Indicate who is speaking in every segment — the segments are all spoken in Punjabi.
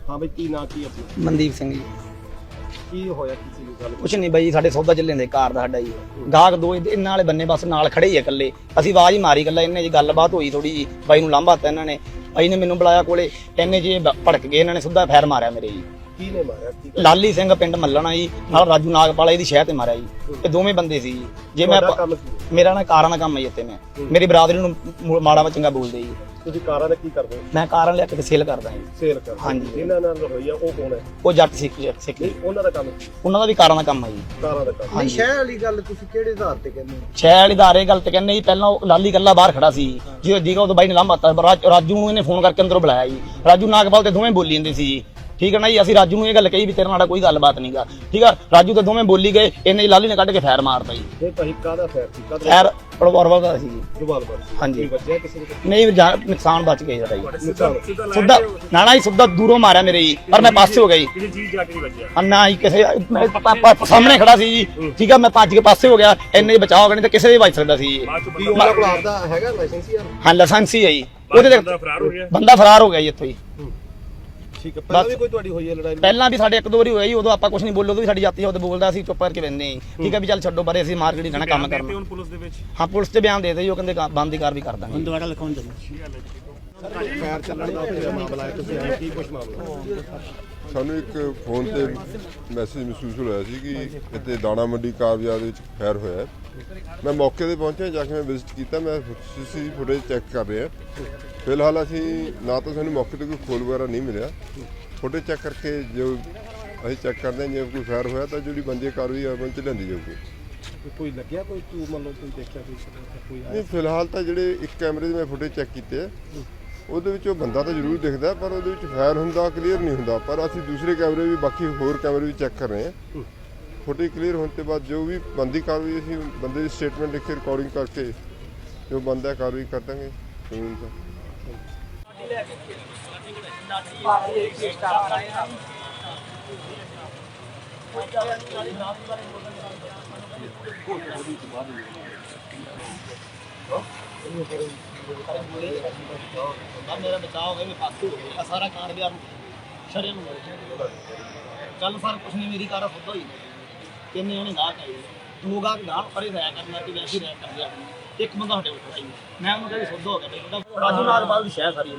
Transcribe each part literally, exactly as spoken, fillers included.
Speaker 1: हाँ भाई की ना की अपना
Speaker 2: ਮਨਦੀਪ ਸਿੰਘ ਜੀ।
Speaker 1: की होया किसी ने गल
Speaker 2: ਕੁਛ ਨਹੀਂ ਬਾਈ, ਸਾਡੇ ਸੌਦਾ ਚੱਲੇ ਨੇ ਕਾਰ ਦਾ ਸਾਡਾ ਜੀ। ਗਾਹਕ ਦੋ ਇਹਨਾਂ ਵਾਲੇ ਬੰਨੇ ਬਸ ਨਾਲ ਖੜੇ ਹੀ ਆ ਇਕੱਲੇ। ਅਸੀਂ ਆਵਾਜ਼ ਹੀ ਮਾਰੀ ਇਕੱਲਾ, ਇਹਨੇ ਜੀ ਗੱਲਬਾਤ ਹੋਈ ਥੋੜੀ ਜੀ, ਬਾਈ ਨੂੰ ਲਾਂਭਾ ਤਾ ਇਹਨਾਂ ਨੇ। ਬਾਈ ਨੇ ਮੈਨੂੰ ਬੁਲਾਇਆ ਕੋਲੇ, ਇਹਨੇ ਜੀ ਭੜਕ ਗਏ, ਇਹਨਾਂ ਨੇ ਸਿੱਧਾ ਫੈਰ ਮਾਰਿਆ ਮੇਰੇ ਜੀ।
Speaker 1: की ने मारा की
Speaker 2: ਲਾਲੀ ਸਿੰਘ ਪਿੰਡ ਮੱਲਣਾ ਜੀ, ਨਾਲ ਰਾਜੂ ਨਾਗਪਾਲ ਇਹਦੀ ਸ਼ਹਿਰ ਤੇ ਮਾਰਿਆ ਜੀ। ਇਹ ਦੋਵੇਂ ਬੰਦੇ ਸੀ ਜੀ। ਜੇ ਮੈਂ
Speaker 1: ਤੁਹਾਡਾ ਕੰਮ ਕੀ
Speaker 2: ਮੇਰਾ ਨਾ ਕਾਰਾਂ ਦਾ ਕੰਮ ਹੈ ਜੀ ਇੱਥੇ। ਮੈਂ ਮੇਰੀ ਬਰਾਦਰੀ ਨੂੰ ਮੁ- ਮਾੜਾ ਵਾ ਚੰਗਾ ਬੋਲਦੇ ਜੀ।
Speaker 1: ਤੁਸੀਂ ਕਾਰਾਂ ਦਾ ਕੀ ਕਰਦੇ ਹੋ
Speaker 2: ਮੈਂ ਕਾਰਾਂ ਲਿਆ ਕੇ ਸੇਲ ਕਰਦਾ ਜੀ।
Speaker 1: ਸੇਲ ਕਰਦੇ ਹੋ।
Speaker 2: ਹਾਂਜੀ।
Speaker 1: ਜਿਨ੍ਹਾਂ ਨਾਲ ਹੋਈ ਆ ਉਹ ਕੌਣ ਹੈ
Speaker 2: ਉਹ ਜੱਟ ਸਿੱਖ ਸਿੱਖ
Speaker 1: ਨਹੀਂ
Speaker 2: ਜੀ।
Speaker 1: ਉਹਨਾਂ ਦਾ ਕੰਮ ਕੀ
Speaker 2: ਉਹਨਾਂ ਦਾ ਵੀ ਕਾਰਾਂ ਦਾ ਕੰਮ ਹੈ ਜੀ।
Speaker 1: ਕਾਰਾਂ ਦਾ ਕੰਮ
Speaker 2: ਹਾਂਜੀ।
Speaker 3: ਸ਼ਹਿਰ ਵਾਲੀ ਗੱਲ ਤੁਸੀਂ ਕਿਹੜੇ ਆਧਾਰ ਤੇ ਕਹਿੰਦੇ ਹੋ?
Speaker 2: ਸ਼ਹਿਰ ਇਦਾਰੇ ਗੱਲ ਤੇ ਕਹਿੰਦੇ ਜੀ, ਪਹਿਲਾਂ ਉਹ ਲਾਲੀ ਗੱਲਾ ਬਾਹਰ ਖੜਾ ਸੀ ਜੀ, ਜੀਗਾ ਉਹ ਬਾਈ ਨੇ ਲਾਂਭਾ ਤਾ। ਰਾਜ- ਰਾਜੂ ਨੂੰ ਇਹਨੇ ਫੋਨ ਕਰਕੇ ਅੰਦਰੋਂ ਬੁਲਾਇਆ ਜੀ। ਰਾਜੂ ਨਾਗਪਾਲ ਤੇ ਦੋਵੇਂ ਬੋਲੀ ਜਾਂਦੇ ਸੀ ਜੀ। ਠੀਕ ਹੈ ਨਾ ਜੀ। ਅਸੀਂ ਰਾਜੂ ਨੂੰ ਇਹ ਗੱਲ ਕਹੀ ਵੀ ਤੇਰੇ ਨਾਲ ਕੋਈ ਗੱਲਬਾਤ ਨਹੀਂਗਾ। ਠੀਕ ਆ, ਰਾਜੂ ਤੇ ਦੋਵੇਂ ਬੋਲੀ ਗਏ, ਇਹਨੇ ਲਾਲੀ ਨੇ ਕੱਢ ਕੇ ਫੈਰ ਮਾਰਤਾ ਜੀ।
Speaker 1: ਇਹ ਭਾਈ ਕਾਹਦਾ ਫੈਰ ਸੀ ਕਾਹਦਾ
Speaker 2: ਫੈਰ ਪੜਵਾਰਵਾ ਦਾ ਸੀ ਜੀ।
Speaker 1: ਜਵਾਲ ਬਰ
Speaker 2: ਹਾਂਜੀ।
Speaker 1: ਵੱਜਿਆ ਕਿਸੇ ਨੂੰ
Speaker 2: ਨਹੀਂ ਜਾ- ਨੁਕਸਾਨ ਬਚ ਗਿਆ ਸਾਡਾ ਜੀ।
Speaker 1: ਨੁਕਸਾਨ
Speaker 2: ਸਿੱਧਾ ਨਾ ਨਾ ਜੀ, ਸਿੱਧਾ ਦੂਰੋਂ ਮਾਰਿਆ ਮੇਰੇ ਜੀ, ਪਰ ਮੈਂ ਪਾਸੇ ਹੋ ਗਿਆ ਜੀ।
Speaker 1: ਕਿਸੇ ਚੀਜ਼ ਜਾ ਕੇ ਨਹੀਂ ਵੱਜਿਆ
Speaker 2: ਅੰਨਾ ਹੀ ਕਿਸੇ ਮੈਂ ਪਾ- ਪਾ- ਸਾਹਮਣੇ ਖੜਾ ਸੀ ਜੀ। ਠੀਕ ਆ, ਮੈਂ ਭੱਜ ਕੇ ਪਾਸੇ ਹੋ ਗਿਆ, ਇੰਨੇ ਬਚਾਅ ਹੋ ਗਏ, ਨਹੀਂ ਤਾਂ ਕਿਸੇ ਦੇ ਵੱਜ ਸਕਦਾ ਸੀ ਜੀ।
Speaker 1: ਕੀ ਉਹਨਾਂ ਕੋਲ ਆਪਦਾ ਹੈਗਾ ਲਾਇਸੈਂਸ ਯਾਰ
Speaker 2: ਹਾਂ, ਲਾਇਸੈਂਸ ਹੀ ਹੈ ਜੀ ਉਹਦੇ ਤੇ।
Speaker 1: ਬੰਦਾ ਫਰਾਰ ਹੋ ਗਿਆ
Speaker 2: ਬੰਦਾ ਫਰਾਰ ਹੋ ਗਿਆ ਜੀ ਇੱਥੋਂ ਹੀ।
Speaker 1: ਠੀਕ ਹੈ। ਪਹਿਲਾਂ ਵੀ ਕੋਈ ਤੁਹਾਡੀ ਹੋਈ ਹੈ ਲੜਾਈ
Speaker 2: ਪਹਿਲਾਂ ਵੀ ਸਾਡੇ ਇੱਕ ਦੋ ਵਾਰੀ ਹੋਇਆ ਜੀ, ਉਦੋਂ ਆਪਾਂ ਕੁਝ ਨਹੀਂ ਬੋਲੇ, ਉਦੋਂ ਵੀ ਸਾਡੀ ਜਾਤੀ ਉਹਦੇ ਬੋਲਦਾ ਸੀ, ਚੁੱਪ ਕਰਕੇ ਬੈਠੇ ਜੀ। ਠੀਕ ਹੈ ਵੀ ਚੱਲ ਛੱਡੋ ਬਾਰੇ, ਅਸੀਂ ਮਾਰਕੀਟ ਹੀ ਜਾਣਾ ਕੰਮ ਕਰਨਾ।
Speaker 1: ਹੁਣ ਪੁਲਿਸ ਦੇ ਵਿੱਚ
Speaker 2: ਹਾਂ, ਪੁਲਿਸ ਤੇ ਬਿਆਨ ਦੇ ਦੇ ਜੀ, ਉਹ ਕਹਿੰਦੇ ਬੰਦ ਦੀ ਕਾਰ ਵੀ ਕਰ ਦਾਂਗੇ।
Speaker 3: ਦੁਬਾਰਾ ਲਿਖਾਉਣ ਚੱਲੋ।
Speaker 1: ਫੈਰ ਚੱਲਣ ਦਾ ਉੱਥੇ ਮਾਮਲਾ ਹੈ, ਤੁਸੀਂ ਆਏ ਕੀ ਕੁਝ ਮਾਮਲਾ
Speaker 4: ਸਾਨੂੰ ਇੱਕ ਫੋਨ ਤੇ ਮੈਸੇਜ ਮਹਿਸੂਸ ਹੋਇਆ ਸੀ ਕਿ ਇੱਥੇ ਦਾਣਾ ਮੰਡੀ ਕਾਰ ਬਾਜ਼ਾਰ ਦੇ ਵਿੱਚ ਫਾਇਰ ਹੋਇਆ ਹੈ। ਮੈਂ ਮੌਕੇ ਤੇ ਪਹੁੰਚਿਆ, ਜਾ ਕੇ ਮੈਂ ਵਿਜ਼ਿਟ ਕੀਤਾ। ਮੈਂ ਸੀਸੀ ਫੁਟੇਜ ਚੈੱਕ ਕਰ ਰਿਹਾ। ਫਿਲਹਾਲ ਅਸੀਂ ਨਾ ਤਾਂ ਸਾਨੂੰ ਮੌਕੇ ਤੇ ਕੋਈ ਖੋਲ ਵਗੈਰਾ ਨਹੀਂ ਮਿਲਿਆ। ਫੁਟੇਜ ਚੈੱਕ ਕਰਕੇ ਜੋ ਅਸੀਂ ਚੈੱਕ ਕਰਦੇ ਹਾਂ, ਜੇ ਕੋਈ ਫਾਇਰ ਹੋਇਆ ਤਾਂ ਜਿਹੜੀ ਬੰਦੀ ਕਾਰਵਾਈ ਅਮਲ 'ਚ ਲਿਆਂਦੀ ਜਾਊਗੀ।
Speaker 1: ਕੋਈ ਲੱਗਿਆ ਕੋਈ ਤੂੰ ਮੰਨ ਲਓ ਕੋਈ ਦੇਖਿਆ ਕੋਈ ਕੋਈ
Speaker 4: ਨਹੀਂ, ਫਿਲਹਾਲ ਤਾਂ ਜਿਹੜੇ ਇੱਕ ਕੈਮਰੇ ਦੇ ਮੈਂ ਫੁਟੇਜ ਚੈੱਕ ਕੀਤੇ ਆ, ਉਹਦੇ ਵਿੱਚ ਉਹ ਬੰਦਾ ਤਾਂ ਜ਼ਰੂਰ ਦਿਖਦਾ, ਪਰ ਉਹਦੇ ਵਿੱਚ ਫਾਇਰ ਹੁੰਦਾ ਕਲੀਅਰ ਨਹੀਂ ਹੁੰਦਾ। ਪਰ ਅਸੀਂ ਦੂਸਰੇ ਕੈਮਰੇ ਵੀ, ਬਾਕੀ ਹੋਰ ਕੈਮਰੇ ਵੀ ਚੈੱਕ ਕਰ ਰਹੇ ਹਾਂ। ਫੁਟੇਜ ਕਲੀਅਰ ਹੋਣ ਤੋਂ ਬਾਅਦ ਜੋ ਵੀ ਬੰਦੀ ਕਾਰਵਾਈ, ਅਸੀਂ ਬੰਦੇ ਦੀ ਸਟੇਟਮੈਂਟ ਲਿਖ ਕੇ ਰਿਕਾਰਡਿੰਗ ਕਰਕੇ ਜੋ ਬੰਦਾ ਕਾਰਵਾਈ ਕਰ ਦਾਂਗੇ ਕਾਨੂੰਨ ਦਾ।
Speaker 2: ਮੇਰਾ ਬਚਾਅ ਹੋ ਗਿਆ, ਮੈਂ ਪਾਸੇ ਹੋ ਗਿਆ। ਸਾਰਾ ਕਾਰ ਬਿਆਰ ਸ਼ਰਿਆਂ ਨੂੰ ਚੱਲ ਸਰ ਕੁਛ ਨਹੀਂ, ਮੇਰੀ ਕਾਰ ਫੁੱਦ ਹੋਈ। ਤਿੰਨ ਜਣੇ ਗਾਹਕ ਆਏ, ਦੋ ਗਾਹਕ ਗਾਹਕ ਪਰੇ ਰਹਿ ਕਰਨਾ ਕਿ ਵੈਸੇ ਰਹਿ ਕਰ ਲਿਆ। ਇੱਕ ਬੰਦਾ ਸਾਡੇ ਉੱਤੇ ਆਈ, ਮੈਂ ਉਹਨੂੰ ਕਹਿੰਦੀ ਫੁੱਦ ਹੋ ਗਿਆ। ਬੇਟਾ ਰਾਜੂ ਨਾਗਪਾਲ ਦੀ ਸ਼ਹਿਰ ਸਾਰੀ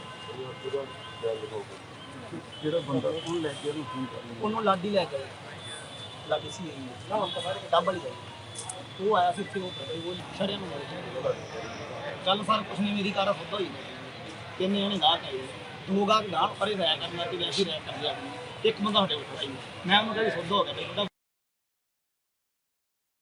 Speaker 1: ਜਿਹੜਾ ਬੰਦਾ ਉਹਨੂੰ ਲੈ ਕੇ ਉਹਨੂੰ ਫੋਨ ਕਰ
Speaker 2: ਉਹਨੂੰ ਲਾਡੀ ਲੈ ਕੇ ਲਾਡੀ ਸੀ ਡੱਬਲ ਹੀ ਉਹ ਆਇਆ ਸੀ ਇੱਥੇ, ਉਹ ਸ਼ਰਿਆਂ ਨੂੰ ਚੱਲ ਸਰ ਕੁਛ ਨਹੀਂ, ਮੇਰੀ ਕਾਰ ਫੁੱਦ ਹੋਈ। ਤਿੰਨ ਜਣੇ ਗਾਹਕ ਆਏ, ਦੋ ਗਾਹਕ ਗਾਹਕ ਪਰੇ ਰਹਿ ਕਰਨਾ ਕਿ ਵੈਸੇ ਰਹਿ ਕਰ ਲਿਆ। ਇੱਕ ਬੰਦਾ ਸਾਡੇ ਉੱਤੇ ਆਈ, ਮੈਂ ਉਹਨੂੰ ਕਹਿੰਦੀ ਫੁੱਦ ਹੋ ਗਿਆ। ਬੇਟਾ